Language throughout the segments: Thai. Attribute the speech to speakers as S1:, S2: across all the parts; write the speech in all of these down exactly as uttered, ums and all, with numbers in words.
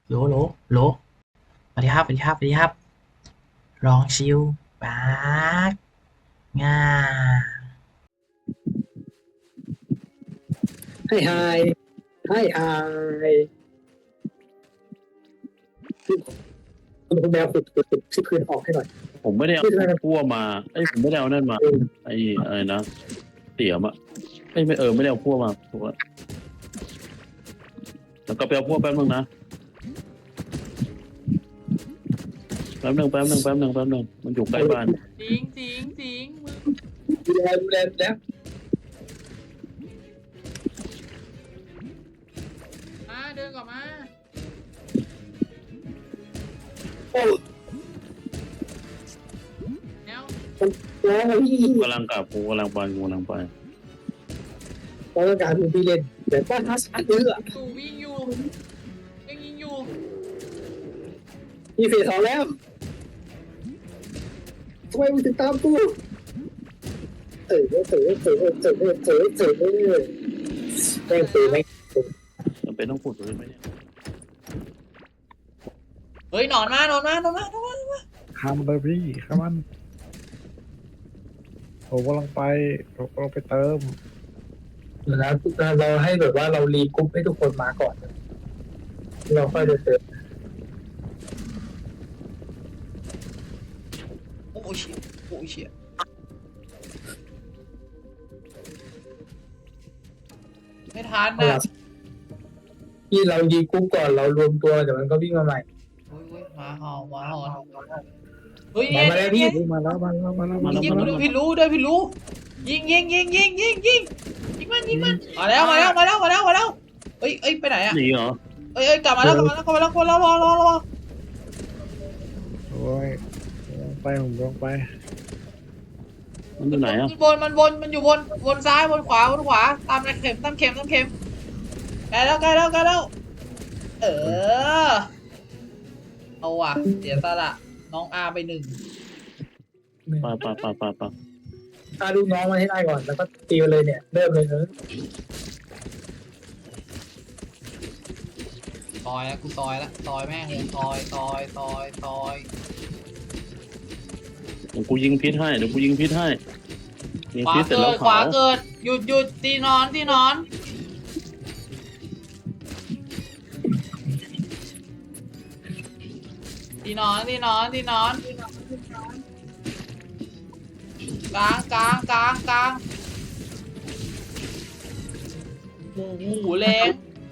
S1: โหลโหลโหลสวัสดีครับสวัสดีครับสวัสดีครับลองชิวปากง่า
S2: ให้ไฮให้ไฮคุณคุณแมวขุดขุดขุดที่พื้นออกให้หน่อย
S3: ผมไม่ได้เอา
S2: ที่ทำไม
S3: พั่วมาเอ้ยผมไม่ได้เอานั่นมา
S2: เออ
S3: ไอ้อะไรนะเตี๋ยมอะเอ้ยไม่เออไม่ได้เอาพั่วมาถูกแล้วแล้วก็ไปเอาพั่วแป๊บนึงนะแป๊บนึงแป๊บนึงแป๊บนึงแป๊บนึงมันอยู่ใกล้บ้าน
S1: สิงสิงสิงมึง
S2: ดูแลดูแลดูแล
S1: มาเดินก่อนมา
S2: โอ้
S1: แนว
S2: แล้วพี่
S3: กำลังกลับกูกำลังไปกูกำลังไป
S2: เราต้องการคุณพี่เล่นแต่ว่าทัสอันเอื้อ
S1: ตู่วิ่งอยู่ยังยิงอยู่
S2: มีเฟสสองแล้วทำไมมึงถึงตามกูเออเออเออเออเออเออเออเออเออเออแม่งตีแม่ง
S3: มันเป็นต้องขุดเลยไหมเนี่ย
S1: เฮ้ยหนอนมาหนอนมาหนอนมาหนอนมาหนอนมา
S4: ข้ามมันเลยพี่ข้ามมันผมกำลังไปผมกำลังไปเติม
S2: เดี๋ยวนะเราให้แบบว่าเรารีกรุ๊ปให้ทุกคนมาก่อนเราค่อยเดินเติม
S1: โอ้ยเชี่ยโอ้ยเชี่ยไม่ทันนะ
S2: ที่เรายีกรุ๊ปก่อนเรารวมตัวเดี๋ยวมันก็วิ่งมาใหม่
S1: โอ้ยโอ้ยหมาเห่าหมาหอนเฮ้ย
S2: มา
S1: เนี่ย
S2: มาแล้วพี่
S1: เนี่ย
S4: มาแล้วมาแล้วมาแล้วมา
S1: ยิง
S4: แล้ว
S1: ยิง
S4: มาแล้ว
S1: พี่รู้ด้วยพี่รู้ยิงยิงยิงยิงยิงยิงยิงมันยิงมันมาแล้วมาแล้วมาแล้วมาแล้วมาแล้วเอ้ยเอ้ยไปไหนอะ
S3: หนีเหรอ
S1: เอ้ยเอ้ยกลับมาแล้วกลับมาแล้วกลับมาแล้วกลับมาแล้วรอรอรอ
S4: โอ้ยกำลังไปผมกำลังไป
S3: มันอยู่ไหนอะ
S1: มันบนมันบนมันอยู่บนบนซ้ายบนขวาบนขวาตามเข็มตามเข็มตามเข็มใกล้แล้วใกล้แล้วใกล้แล้วเออเอาว่ะเสียสละน้องอาไปหนึ่ง
S3: ปาปาปาปาปา
S2: พาลูกน้องมาให้ได้ก่อนแล้วก็ตีไปเลยเนี่ยเริ่มเลยเออ
S1: ซอยแล้วกูซอยแล้วซอยแม่งเลยซอยซอยซอยซอย
S3: เดี๋ยวกูยิงพิษให้เดี๋ยวกูยิงพิษให้ยิง
S1: ขวา
S3: พิษเสร็จ
S1: เกิ
S3: แล้ว
S1: ดข
S3: เผาว
S1: าเกิดหยุดหยุดตีนอนตีนอนตีนอนตีนอนตีนอนกลางกลางกลางกลางหมูหมูแรง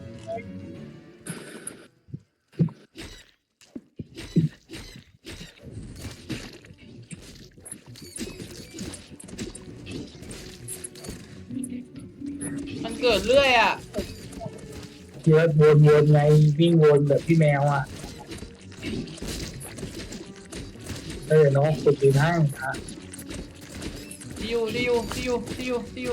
S1: มันเกิดเรื่อยอ่ะ
S2: เยอะวนวนไงวิ่งวนแบบพี่แมวอ่ะเออน้องกดยืนให้อ่ะ
S1: ที่อยู่ที่อยู่ที่อยู่ที่อยู่ที่อยู่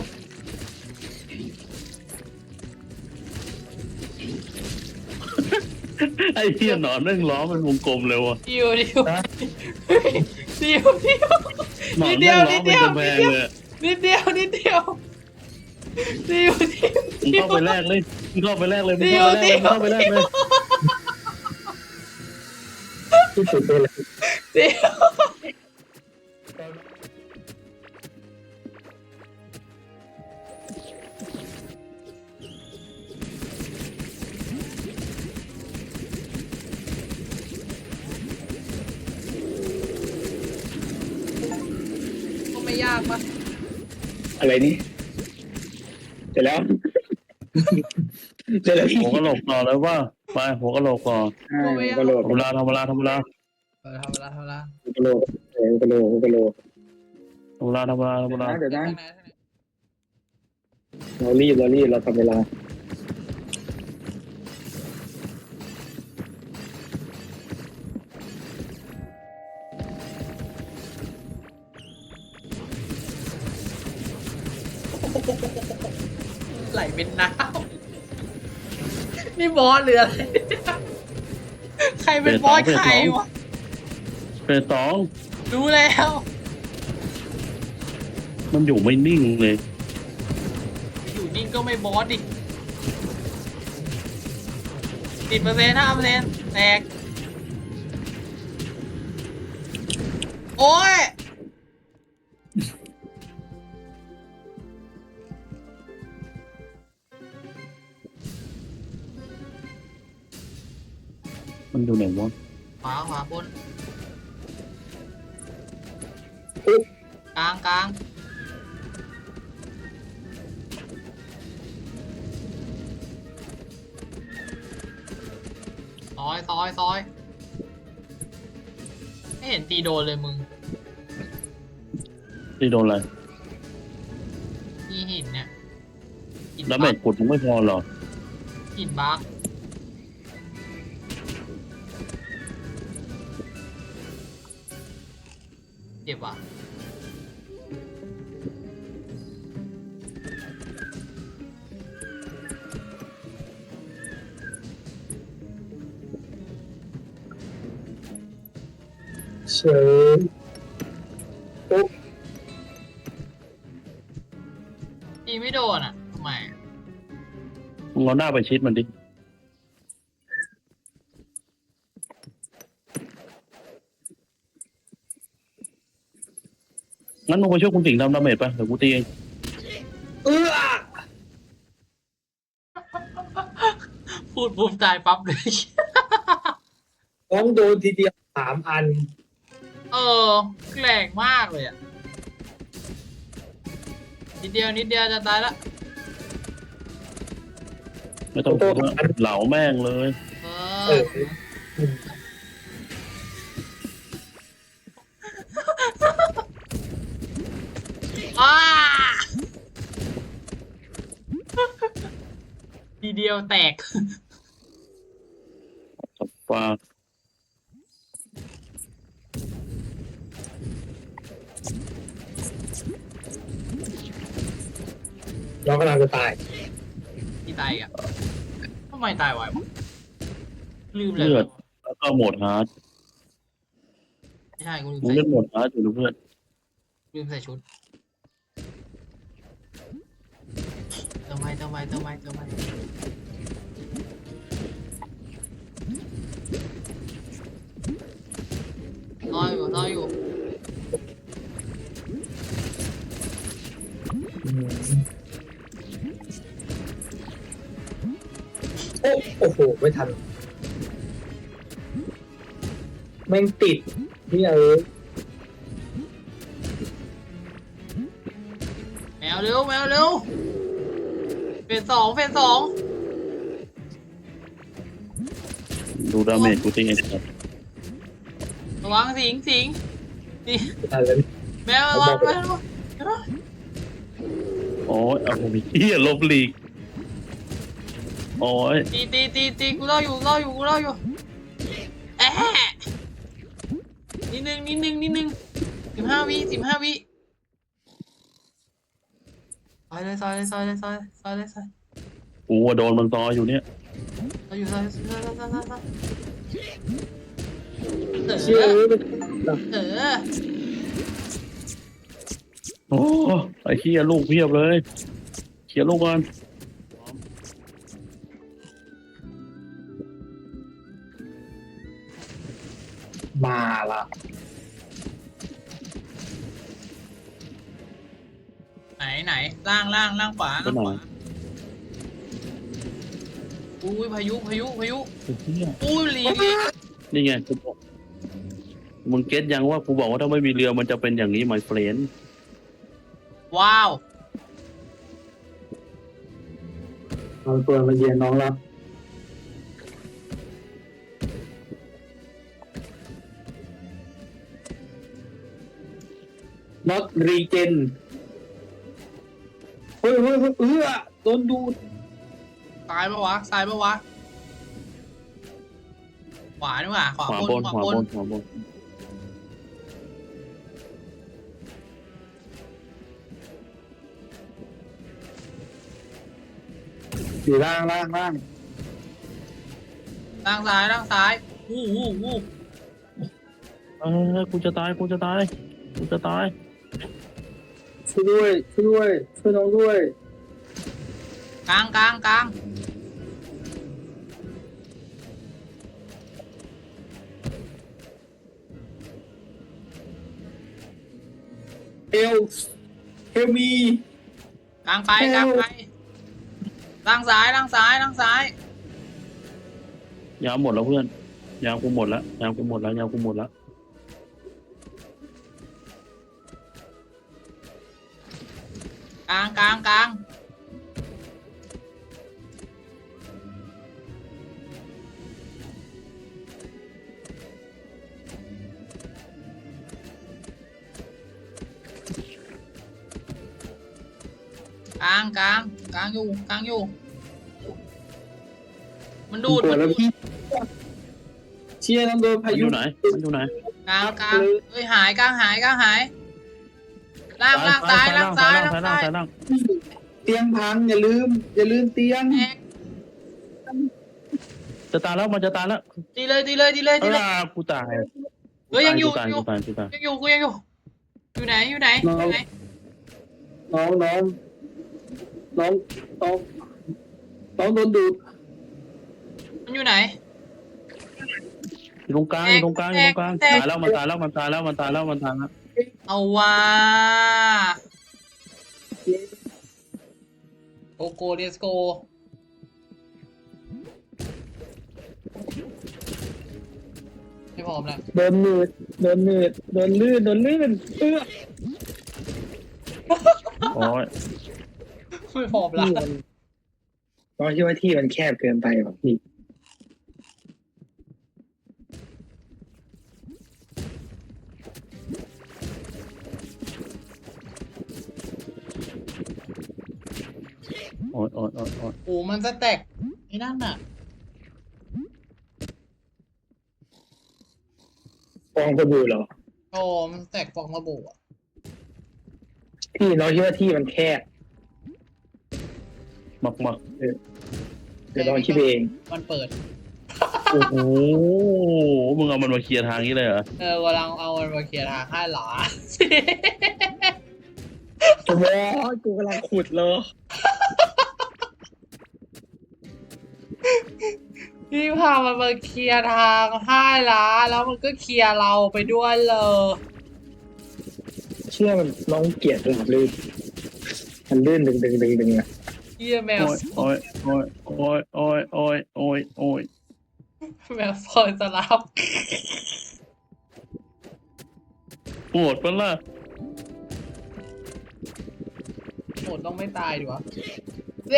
S3: ไอ้เหี้ยหนอนแม่งล้อมันวงกลมเลยว่ะ
S1: ที่อยู่ที่อยู่ที่อยู่ที่อยู่
S3: หนอน
S1: นิดเดี
S3: แม่
S1: ยว
S3: งล้
S1: นิ
S3: อ
S1: ด
S3: เป็
S1: เดี
S3: น
S1: ยว
S3: กำแพงเลย
S1: นิดเดียวนิดเดียวที่อยู่ที่อยู่
S3: มึง
S1: ที่อ
S3: เข้าไป
S1: ยู่
S3: แรกเลยมึงเข้าไปแรกเลยมึง
S1: ที่อ
S3: เข้า
S1: ยู่
S3: ไปแรก
S1: ที่
S3: เลย
S1: อ
S3: มึง
S1: ยู่
S3: เข้าไปแรกเลย
S2: ที่สุดเลย
S1: ที่อยู่ก็ไม่ยากปะ
S2: อะไรนี่เสร็จแล้วเสร็จแล้วพี่
S3: หัวกะโหลกต่อเลยว่าไปหัวกะโหลกต่อ
S1: ก็ไม่ยาก
S2: กะโหลก
S3: ทำเวลาทำเวลาทำเวลา
S1: เออทำเวลาทำเวลาก
S2: ะโหลกเออกะโหลกกะโหลก
S3: ทำเวลาทำเวลาทำเวลา
S2: เดี๋ยวนะ
S1: ทางไหนทางไหน
S2: เรารีบเรารีบเราทำเวลา
S1: ไหลเป็นน้ำนี่บอสหรืออะไรใครเป็นบอสใครวะ
S3: เป็นสอง
S1: รู้แล้ว
S3: มันอยู่ไม่นิ่งเลย
S1: อยู่นิ่งก็ไม่บอสดิสิบเปอร์เซ็นต์ห้าเปอร์เซ็นต์แตกโอ้ย
S3: มันอยู่ไหนวะ
S1: ขวาขวาบน
S2: อุ๊ย
S1: กลางกลางซอยซอยซอยไม่เห็นตีโดนเลยมึง
S3: ที่โดนอะไร
S1: ที่หินเนี่ยหิน
S3: แล้ว
S1: บั
S3: เม็
S1: ก
S3: ดกดมึงไม่พอหรอ
S1: หินบักเจ็บว่ะ
S2: เฉยปุ๊บ
S1: ตีไม่โดนอ่ะทำไม
S3: มึงเอาหน้าไปชิดมันดิงั้นมึงไปช่วยคุณสิงห์ทำดาเมจไปเดี๋ยวกูตีเอง
S2: เออ
S1: พูดปุ๊บตายปั๊บเลย
S2: น้องโดนทีเดียวสามอัน
S1: เออแรงมากเลยอ่ะนิดเดียวนิดเดียวจะตายละ
S3: ไม่ต้องกลัวเหลาแม่งเลย
S1: เอ
S2: เอ
S1: อ
S2: อ
S1: อ้าทีเดียวแตก
S3: สับฟ้า
S2: น้องกำลังจะตาย
S1: ที่ตายอ่ะทำไมตายไววะลืมเลย
S3: เลือดแล้วก็โหมดฮาร์ด
S1: ไม่ใช่กูลืม
S3: มึง
S1: ใส่
S3: เล่นโหมดฮาร์ดอยู่นะเพื่อน
S1: ลืมใส่ชุดเติมไม้เติมไม้เติมไม้เติมไม้รออยู่รออยู่
S2: โอ้โอ้โห ไม่ทัน แม่งติดนี่เออ
S1: แมวเร็วแมวเร็วเฟสสองเฟสสอง
S3: ดูดาเมจกูตีเองครับ
S1: ระวังสิงสิงนี่
S2: ไม่ทันเลย
S1: แมวระวังแมวระวัง
S3: โอ้ยเอาผมเฮียลบลีกโอ้ย
S1: ตีตีตีตีกูรออยู่รออยู่กูรออยู่แอะนิดนึงนิดนึงนิดนึงสิบห้าวิสิบห้าวิซอยเลยซอยเลยซอยเลยซอยซอยเลยซอย
S3: กูว่าโดนมันตออยู่เนี่ย
S1: ซอยอยู่ซอยซอยซอยซอยซอยซอยเอ
S2: เชื่อ
S1: อ
S2: เลย
S1: เออ
S3: โอ้ไอ้เฮียลูกเพียบเลยเขียนลูกกัน
S2: มาละ
S1: ไหนไหนล่างล่างล่างขวา
S3: ก็
S1: ล่าง
S3: ห
S1: ข
S3: น่อ
S1: วาย อุ้ยพายุพายุพายุ
S3: ไอ้เหี้ย
S1: อุ้ยหลี
S3: นี่ไงกูบอกมึงเก็ตยังว่ากูบอกว่าถ้าไม่มีเรือมันจะเป็นอย่างนี้ไหมเฟรน
S1: ว้าว
S2: เอาตัวมาเยียนน้องรับน็อตรีเจนเฮ้ยเฮ้ยเฮ้ยเออโดนดูด
S1: ซ้ายปะวะซ้ายปะวะขวาดีกว่าขวา
S3: ขวา
S1: บบ น
S3: น
S1: ข
S3: ข
S1: วาว
S3: า
S1: บบ น
S3: นขวาบน
S2: อยู่ล่างล่างล่าง
S1: ล่างซ้ายล่างซ้ายอู้หูอู้
S3: เออกูจะตายกูจะตายกูจะตาย
S2: ช่วยด้วยช่วยด้วยช่วยน้องด้วย
S1: กลางกลางกลาง
S2: เฮลเฮลมี
S1: กลางไปกลางไปล่างซ้ายล่างซ้ายล่างซ้าย
S3: ยาวหมดแล้วเพื่อนยาวกูหมดแล้วยาวกูหมดแล้วยาวกูหมดแล้ว
S1: กลางกลางกลางกลางกลางกลางอยู่กลางอยู่มันดูด
S2: ปว
S1: มั
S2: ด
S1: น
S2: แล้ว
S1: ดูด
S2: พี่เชียร์ต้องโดน
S3: มั
S2: พาน
S3: อ
S2: ยุ
S3: ยู่ไหนมันอยู่ไหน
S1: กลางกลางเฮ้ยหายกลางหายกลางหายล่างล่างซ้ายล่างซ้ายล่าง
S3: ซ้าย
S1: ซ้าย
S3: ซ้ายล่าง
S2: เตียงพังอย่าลืม อย่าลืมเตียง
S1: แอก
S3: จะตายแล้วมันจะตายแล้ว
S1: ดีเลยดีเลยดีเลย
S3: เอ
S1: ดีเลย
S3: อกูตาย
S1: เฮ้ยยังอยู่
S3: กูตาย
S1: อยู่
S3: กูตายกูตาย
S1: ยังอยู่กูยังอยู่อยู่ไหนอยู่ไหนอยู่ไหน
S2: น้องน้องน้องน้องน้องโดนดูด
S1: มันอยู่ไหน
S3: อยู่ตรงกลางอยู่ตรงกลางอยู่ตรงกลาง
S1: แตก
S3: ตายแล้วมันตายแล้วมันตายแล้วมันตายแล้วมันตายแล้ว
S1: เอาว่าโกโก้เดสโกไม่พร้อมแล้ว
S2: โดนมืดโดนมืดโดนลื่นโดนลื่นเอื้อ
S3: โอ้ย
S1: ไม่พร้อมแล้ว
S2: ที่มันน้องคิดว่าที่มันแคบเกินไปป่ะพี่
S3: โอ้ยโอ้ยโอ้ยโอ้ย
S1: โอ้มันจะแตกไอ้นั่นน่ะ
S2: ฟองสบู่เหรอ
S1: โอ้มันแตกฟองระบุอ่ะ
S2: พี่น้องคิดว่าที่มันแคบ
S3: มักมัก
S2: เดี๋ยวน้องคิดเอง
S1: มันเปิด
S3: โอ้โหมึงเอามันมาเคลียร์ทางนี้เลยเหรอ
S1: เออกำลังเอามันมาเคลียร์ทางให้หรอ
S2: โอ้ยกูกำลังขุดเลย
S1: พี่พามันมาเคลียร์ทางให้ละแล้วมันก็เคลียร์เราไปด้วยเลย
S2: เชื่อมันน้องเกลียดหลับลื่นมันลื่นดึงดึงดึงดึงอะ
S1: เฮียแมว
S3: โอ้ยโอ้ยโอ้ยโอ้ยโอ้ยโอ้ยโอ้ยโอ้ย
S1: แมวซอยสลับ
S3: โหดปะล่ะ
S1: โหดต้องไม่ตายดีวะแหละ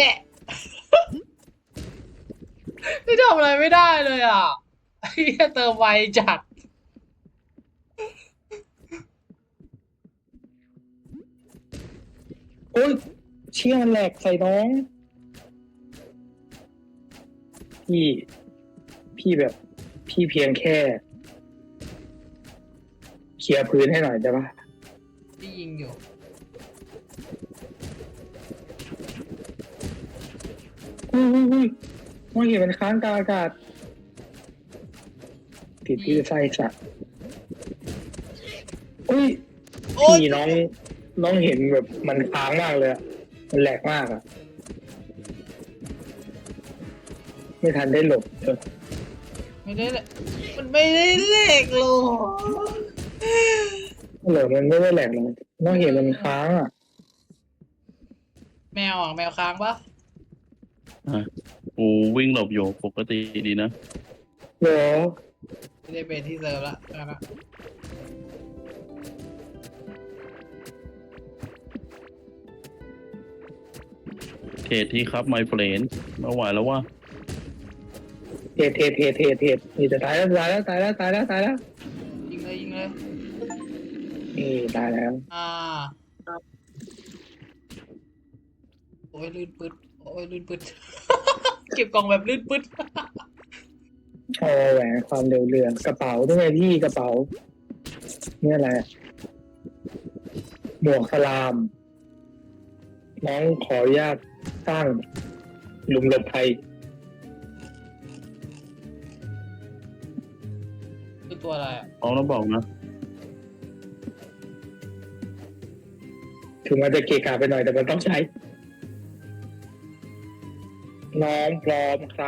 S1: ไม่ทำอะไรไม่ได้เลยอ่ะเฮียเติมไวจัด
S2: โอ้ยเชี่ยมันแหลกใส่น้อง พี่ พี่แบบ พี่เพียงแค่เคลียร์พื้นให้หน่อยได้ปะ
S1: ที่ยิงอยู่
S2: อุ้ยอุ้ยอุ้ยมองเห็นมันค้างกลางอากาศติดที่ไส้สัตว์อุ้ย
S1: โอ๊ย
S2: พี่น้อง น้องเห็นแบบมันค้างมากเลยอะมันแหลกมากอะไม่ทันได้หลบเออ
S1: ไม่ได้เลยมันไม่ได้เลขหรอก
S2: หลบมันไม่ได้แหลกเลยน้องเห็นมันค้างอะ
S1: แมวอ่ะแมวค้างปะ
S3: อ่ะกูวิ่งหลบอยู่ปกติดีนะ
S2: เหรอ
S1: ไม่ได้เป็นที่เซิร์ฟละนะ
S3: เทศที่ครับไมเฟรนมาไหวแล้วว่า
S2: เทเทเทเทเทนี่จะตายแล้วตายแล้วตายแล้วตายแล้วตายแล้ว
S1: ยิงเลยยิงเลย
S2: นี่ตายแล้ว
S1: อ่าโอ้ยลื่นปึ๊ดโอ้ยลื่นปึ๊ด เก็บกล่องแบบลื่นปึ๊ด
S2: โอ้แหวนความเร็วเรือกระเป๋าด้วยพี่กระเป๋านี่อะไรอะหมวกสลาม น้องขออนุญาตสร้างหลุมหลบภัย
S1: คือตัวอะไรอ่ะ
S3: เอาแล้วบอกนะ
S2: ถึงมันจะเกะกะไปหน่อยแต่มันต้องใช้ น้องพร้อมครับ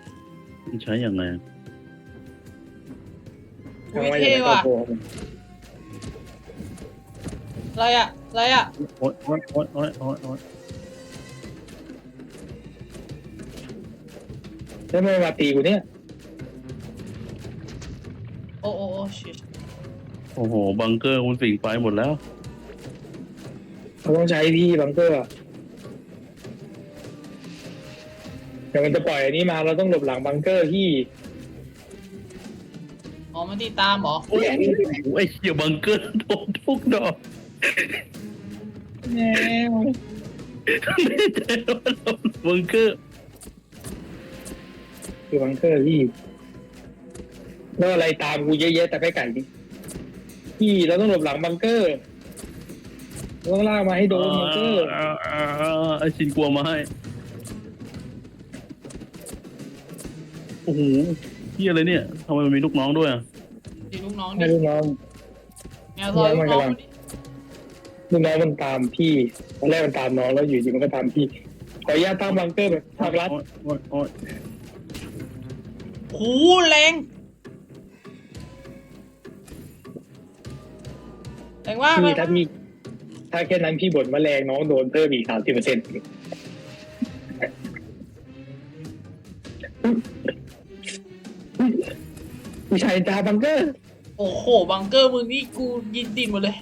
S3: มันใช้อย่างไร
S1: อุ้ยเท่ว่ะอะไรอะอะไรอะ
S3: โอ๊ยโอ๊ยโอ๊ยโอ๊ยโอ๊ยโอ๊ย
S2: แล้วไม่มาตีกูเนี่ย
S1: โอ้โอ้โอ้ชิต
S3: โอ้โหบังเกอร์คุณสิงไปหมดแล้ว
S2: เราต้องใช้พี่บังเกอร์อะเดี๋ยวมันจะปล่อยอันนี้มาเราต้องหลบหลังบังเกอร์พี่
S1: อ๋อมันตีตามเหรอ
S3: โอ้ยไอ้เหี้ยบังเกอร์โดนทุกดอก
S2: แนว
S3: ไม่ใจว่าเราบังเกอร์
S2: คือบังเกอร์พี่แล้วอะไรตามกูเยอะแยะแต่ไม่ไก่ดิพี่เราต้องหลบหลังบังเกอร์เราต้องลากมาให้โดนบังเกอร์
S3: อ่าอ่าอ่าไอ้ชินกลัวมาให้โอ้โหเหี้ยอะไรเนี่ยทำไมมันมีลูกน้องด้วยอะ
S1: ตีลูกน้อง
S2: ให้
S1: ดิ
S2: ลูกน้อง
S1: แนวซอยลูกน้องดิ
S2: ลูกน้องมันตามพี่ตอนแรกมันตามน้องแล้วอยู่ดีมันก็ตามพี่ขออนุญาตตั้งบังเกอร์แบบภาครัฐ
S3: โอ๊ยโอ๊ยโอ๊ย
S1: โหแรงแรงว่า
S2: พี่ถ้าพี่ถ้าแค่นั้นพี่บ่นว่าแรงน้องโดนเพิ่มอีกสามสิบเปอร์เซ็นต์ผู้ชายตาบังเกอร์
S1: โอ้โหบังเกอร์มึงนี่กูยินติดหมดเลย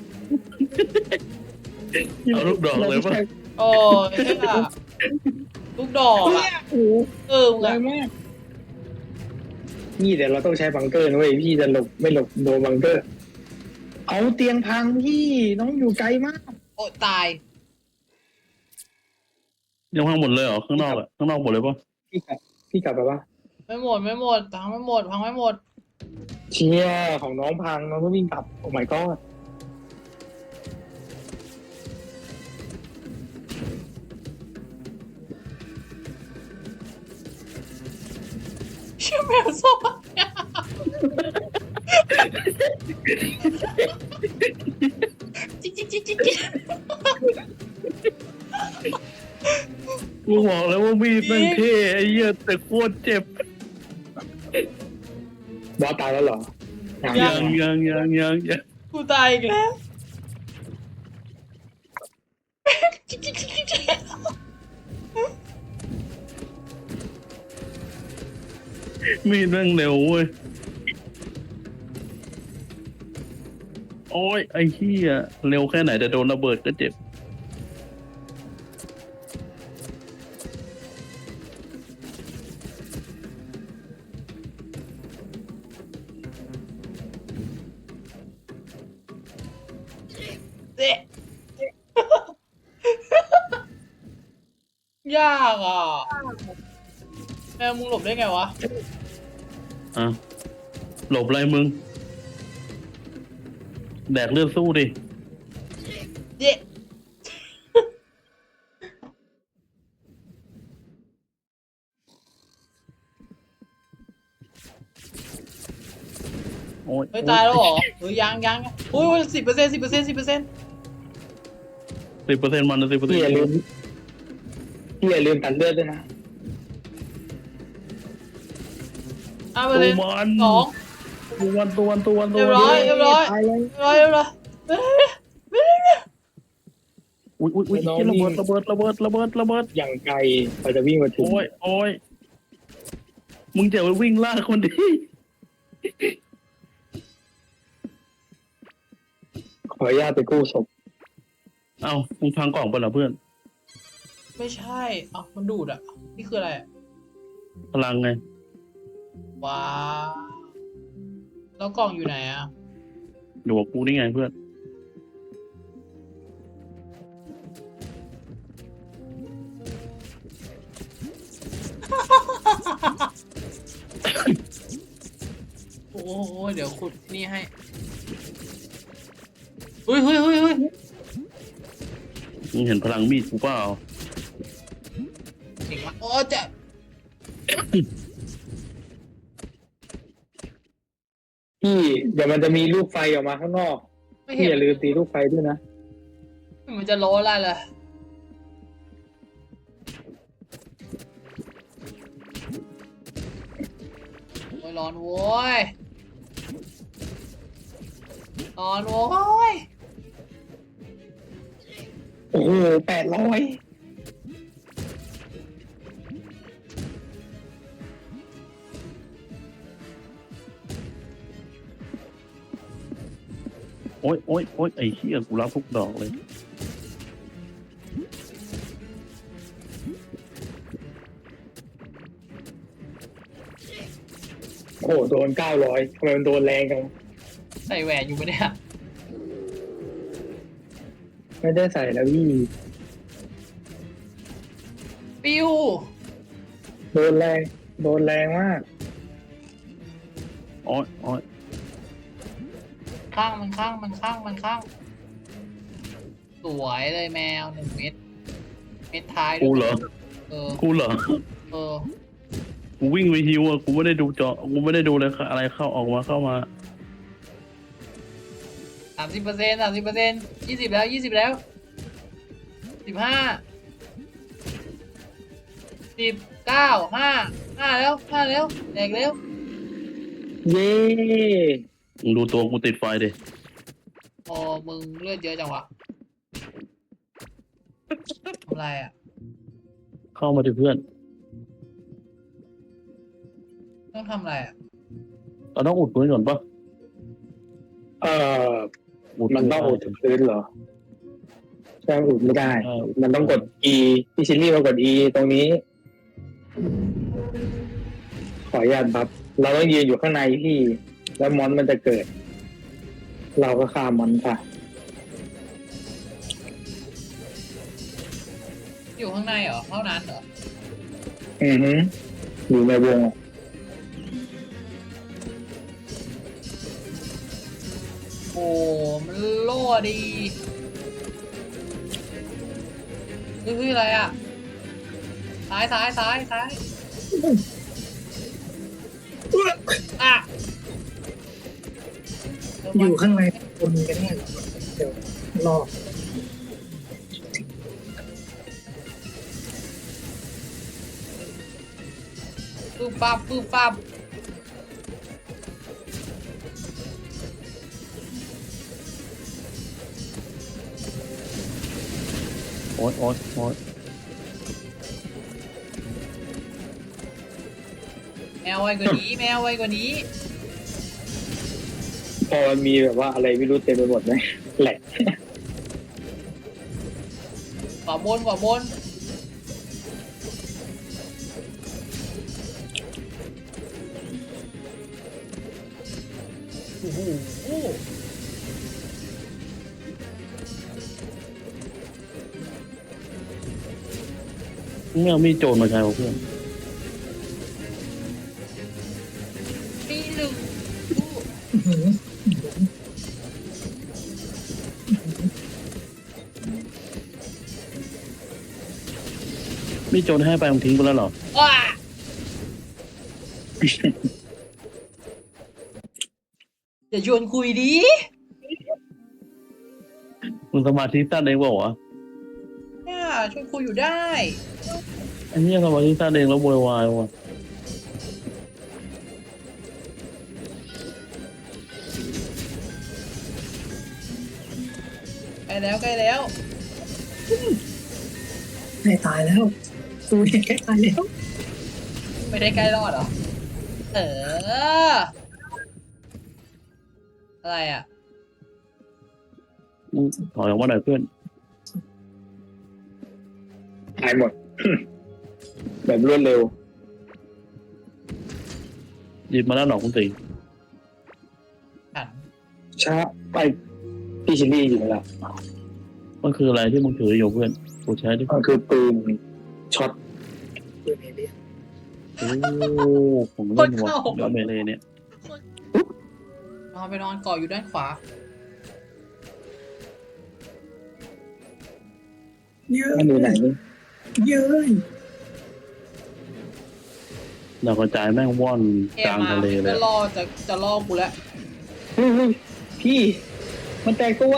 S3: เอาลูกดอกเลยปะ
S1: โอ้ยเฮ้ยอะลูกดอก
S2: เนี่
S1: อะ
S2: ยโอ้โห
S1: เออมึง
S2: แร
S1: อะ
S2: งมากนี่เดี๋ยวเราต้องใช้บังเกอร์นะเว้ยพี่จะหลบไม่หลบโดนบังเกอร์ เอาเตียงพังพี่น้องอยู่ไกลมาก
S1: โอ้ตาย
S3: ยังพังหมดเลยเหรอข้างนอกอะข้างนอกหมดเลยปะ
S2: พี่กลับพี่กลับไปปะ
S1: ไม่หมดไม่หมดพังไม่หมดพังไม่หมด
S2: เชียของน้องพังน้องก็วิ่งกลับโอ้ my god
S1: เชื่อแมวส้มจิ๊กจิ๊กจิ๊กจิ๊กจิ๊ก
S3: กูบอกแล้วว่ามีดแม่งเท่ไอ้เหี้ยแต่โคตรเจ็บบ
S2: อสตายแล้วเหรอยัง
S3: ยังยังยังยังยัง
S1: กูตายอีกแล้วจิ๊กจิ๊กจิ๊กจิ๊ก
S3: มีดแม่งเร็วเว้ยโอ้ยไอ้เหี้ยเร็วแค่ไหนแต่โดนระเบิดก็เจ็บ
S1: เด็ยากอ่ะแมวมึงหลบได้ไงวะ
S3: อ่ะหลบอะไรมึง แดกเลือดสู้ดิ
S1: เด็
S3: โอ้ย
S1: เฮ้ยตายแล้วเหรอเฮ้ยยังยังอุ้ยสิบเปอร์เซ็นต์สิบเปอร์เซ็นต์สิบเปอร์เซ็นต์
S3: สิบเปอร์เซ็นต์มันนะสิบเปอร์เซ็น
S2: พี่
S3: ต์
S2: อย่าลืมพี่อย่าลืมตัดเลือดด้วยนะ
S1: ห้าเปอ
S3: ตั
S1: ร์
S3: ว
S1: เซ็นต์
S3: มัน
S1: สอง
S3: ตัวมันตัวมันตัวมันตัว
S1: เรียบร้อยเรียบร้อย
S2: ตายเลย
S1: เรียบร้อยเรียบร้อยเฮ้ย
S3: อุ้ยอุ้ยอุ้ย
S2: น้อง
S3: ระ
S2: วิ่
S3: เบิ
S2: ง
S3: ดระเบิดระเบิดระเบิดระเบิด
S2: อย่างไกลกว่าจะวิ่งมาถึง
S3: โอ้ยโอ้ยมึงจะไปวิ่งล่าคนดิ
S2: ขออนุญาตไปกู้ศพ
S3: เอ้ามึงพังกล่องไปเหรอเพื่อน
S1: ไม่ใช่เอ้ามันดูดอ่ะนี่คืออะไรอะ
S3: พลังไง
S1: ว้าวแล้วกล่องอยู่ไหนอ่ะ
S3: อยู่กับกูนี่ไงเพื่อน
S1: โอ้โหเดี๋ยวขุดนี่ให้เฮ้ยเฮ้ยเฮ้ยเฮ้ย
S3: มึงเห็นพลังมีดกูเปล่า
S1: เก่งมากโอ้เจะ
S2: พี่เดี๋ยวมันจะมีลูกไฟออกมาข้างนอก
S1: ไม่
S2: พี่
S1: เห็น
S2: อย่าลืมตีลูกไฟด้วยนะ
S1: มันจะโล้อะไรเลยโอ้ยร้อนโว้ยร้อนโว้ย
S2: โหแปดร้อย
S3: โอ๊ยโอ๊ยโอ๊ยไอ้เหี้ยกูรับทุกดอกเลย
S2: โอ้โหโดนเก้าร้อยทำไมมันโดนแรงจัง
S1: ใส่แหวนอยู่ปะเนี่ย
S2: ไม่ได้ใส่แล้วพี่
S1: ปิว
S2: โดนแรงโดนแรงมาก
S3: โอ๊ยโอ๊ย
S1: ข้างมันข้างมันข้างมันข้าง สวยเลยแมวหนึ่งเม็ดเม็ดท้ายด้วย
S3: กูเหรอ
S1: เออ
S3: กูเหรอ
S1: เออ
S3: กูวิ่งไปฮิวอ่ะ กูไม่ได้ดูจอ กูไม่ได้ดูเลยอะไรเข้าออกมาเข้ามา
S1: สามสิบเปอร์เซ็นต์สามสิบเปอร์เซ็นต์ยี่สิบแล้วยี่สิบแล้วสิบห้าสิบเก้าห้าห้าแล้วห้าแล้วแตกแล้ว
S2: เย้
S3: มึงดูตัวกูติดไฟดิ
S1: โอ้มึงเลือดเยอะจังวะทำไรอ่ะ
S3: เข้ามาดิเพื่อน
S1: ต้องทำอะไรอ่ะ
S3: เราต้องอุดพื้นก่อนปะ
S2: เออ
S3: อุด
S2: มันต้องอุดพื้นเหรอใช่อุดไม่ได้
S3: เออ
S2: มันต้องกด E พี่ชิลลี่มากด E ตรงนี้ ขออนุญาตบัฟเราต้องยืนอยู่ข้างในพี่ แล้วมอนมันจะเกิด เราก็ฆ่ามอนค่ะ
S1: อยู่ข้างในเหรอเท่านั้นเหรอ
S2: อือฮึอยู่ในวง
S1: โอ้มันโล่ดีเฮ้ยอะไรอ่ะซ้ายซ้ายซ้ายซ้ายอ่ะ
S2: อยู่ข้างในคนก็ได้เดี๋ยวรอ
S1: ปึ๊บปั๊บปึ๊บปั๊บ
S3: โอ๊ยโอ๊ยโอ๊ย
S1: แมวไวกว่านี้แมวไวกว่านี้
S2: พอมันมีแบบว่าอะไรไม่รู้เต็มไปหมดไหมแหลก
S1: ขวาบนขวาบนโอ้โห
S3: ไม่เอามีดโจรมาใช้วะเพื่อน
S1: ตีหนึ่ง
S3: มีดโจรให้ไปมึงทิ้งไปแล้วเหรอ
S1: ว้าอย่าชวนคุยดิ
S3: มึงสมาธิสั้นเองเปล่าวะ
S1: เนี่ยชวนคุยอยู่ได้
S3: ไอ้เนี่ยสมาธิสั้นเองแล้วโวยวายว่ะ
S1: ใกล้แล้วใกล้แล้ว
S2: ใกล้ตายแล้วตูเนี่ยใกล้ตายแล้ว
S1: ไม่ได้ใกล้รอดเหรอ เออ อะไรอ่ะ
S3: มึงถอยออกมาหน่อยเพื่อน
S2: ตายหมด แบบรวดเร็ว
S3: หยิบมาแล้วหนอกคุณตี
S1: หัน
S2: ช้าไปพี่ชิลลี่อยู่แล้ว
S3: มันคืออะไรที่มึงถืออยู่เพื่อนกูใช้ดิ
S2: มันคือปืนช็อต
S3: โอ้ผมเล่นว่ะแล้วเมเลเนี่ย
S1: นอนไปนอนก่ออยู่ด้านขวา
S2: เยอะมันอยู่ไหนนี่เยอะ
S3: ดาวกระจายแม่งว่อน
S1: เอก
S3: ลาง
S1: มา
S3: ทะเลเล
S1: จะ
S3: ย
S1: รอจะจะล่อกูแล้ว
S2: เฮ้ยเฮ้ยพี่ มันแตกตัว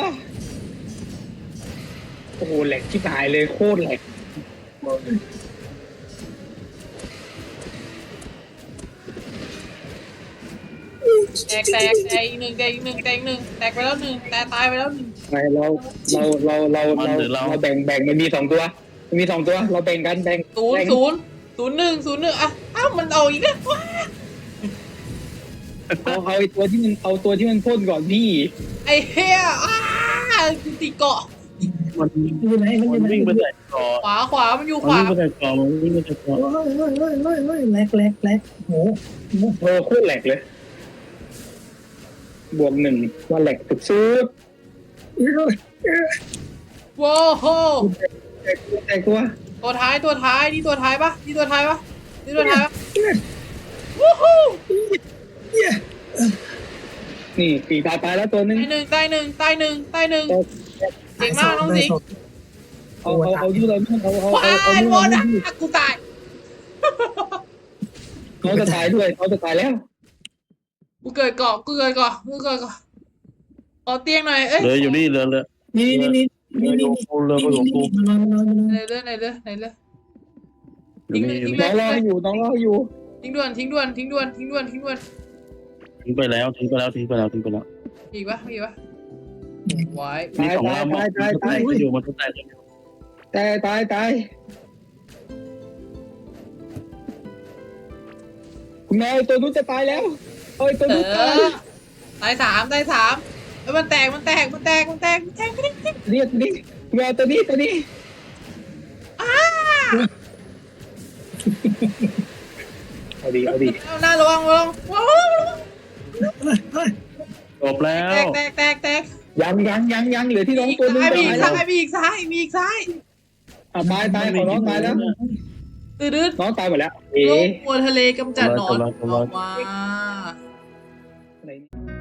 S2: โอ้โหแหลกชิบหายเลยโคตรแหลก
S1: แตกแตกแตกอีกหนึ่งแตกอีกหนึ่งแตกอีกหนึ่งแตกไปแล้วหนึ่งแตกตายไปแล้วหนึ่ง
S2: ไม่เราเราเราเราเราเราแบ่งแบ่งมันมีสองตัวมันมีสองตัว เราแบ่งกันแบ่ง
S1: ศูนย์
S2: แบ่ง
S1: ศูนย์ศูนย์หนึ่งศูนย์หนึ่งอ่ะอ้าวมันเอาอีกแล้วว้า
S2: เอาเอาไอ้ตัวที่มันเอาตัวที่มันพ่นก่อนพี่
S1: ไอ้เฮียอ้ากูติดเกาะ
S3: มัน
S2: อยู่ไหนมันอ
S3: มั
S2: ยู่
S3: น
S2: ไหน
S3: วิ่งไปแต่เกาะ
S1: ขวาขวามันอยู่
S3: มัน
S1: ขวา
S3: วิ่งไปแต่เกาะมันวิ่งไปแต่เกาะ
S2: เฮ้ยเฮ้ยเฮ้ยเฮ้ยเฮ้ยแหลกแหลกแหลกโหโหโคตรแหลกเลย บวกหนึ่งว่าแหลกสุดสุด
S1: ว้าวโห
S2: แตกตัวแตกตัว
S1: ตัวท้ายตัวท้ายนี่ตัวท้ายปะนี่ตัวท้ายปะนี่ตัวท้ายปะวู้ฮู้
S2: นี่ปีตายตายแล้วตัวนึง
S1: ตายหนึ่งตายหนึ่งตายหนึ่งตายหนึ่งเก่งมากน้องสิงห์
S2: เอาเอาเอาที่เราไม่เอาเอา
S1: ว้า
S2: เอาเอา
S1: ย
S2: ที่
S1: หม
S2: เรา
S1: ด
S2: ไม่
S1: อ่ะกูตาย
S2: เขาจะตายด้วยเขาจะตายแล้ว
S1: กูเกิดเกาะกูเกิดเกาะกูเกิดเกาะขอเตียงหน่อยเอ้ย
S3: เหลืออยู่นี่เหลือเหลือ
S2: นี่นี่นี่
S3: เหลืออยู่กูเหลือไปของกู
S1: ไหนเลยไหนเลยไหนเลย
S3: อยู่นี่อยู่
S2: น้
S3: นี่
S2: องรออยู่น้องรออยู่
S1: ทิ้งด่วนทิ้งด่วนทิ้งด่วนทิ้งด่วนทิ้งด่วน
S3: ทิ้งไปแล้วทิ้งไปแล้วทิ้งไปแล้วทิ้งไปแล้ว
S1: มีอีกปะมีอีกปะไว้
S3: มีสองลำมันแตกกันอยู่มันแตกกันอยู่
S2: ตายตายตายคุณแม่ตัวนู้นจะตายแล้วเอ้ยตัว
S1: เอ
S2: นู้นตาย
S1: อตายสามตายสามเอ้ยมันแตกมันแตกมันแตกมันแตกมันแตกไม่ได้
S2: เรียกนี่แมวตัวนี้ตัวนี้
S1: อ้า
S2: เอาดีเอาดี
S1: เอาหน้าระวังระวังระวังระวัง
S3: จบแล้
S1: แต
S3: ว
S1: กแตกแตกแตก
S2: ยังยังยังยังเหลือที่น้อง
S1: มีอีก
S2: ตัวนึง
S1: ซ้ายมีอีก
S2: ตาย
S1: ซ้า
S2: แล้ว
S1: ยมีอีกซ้ายมีอีกซ้ายมีอีกซ้าย
S2: อ่ะตายตายของน้องตายแล้ว
S1: ตื่นดื้อ
S2: น้องตายหมดแล้วเอ๋
S1: ลงมัวทะเลกำจัดหนอน
S3: กำลังกำลัง
S1: ออกมา
S2: ไหน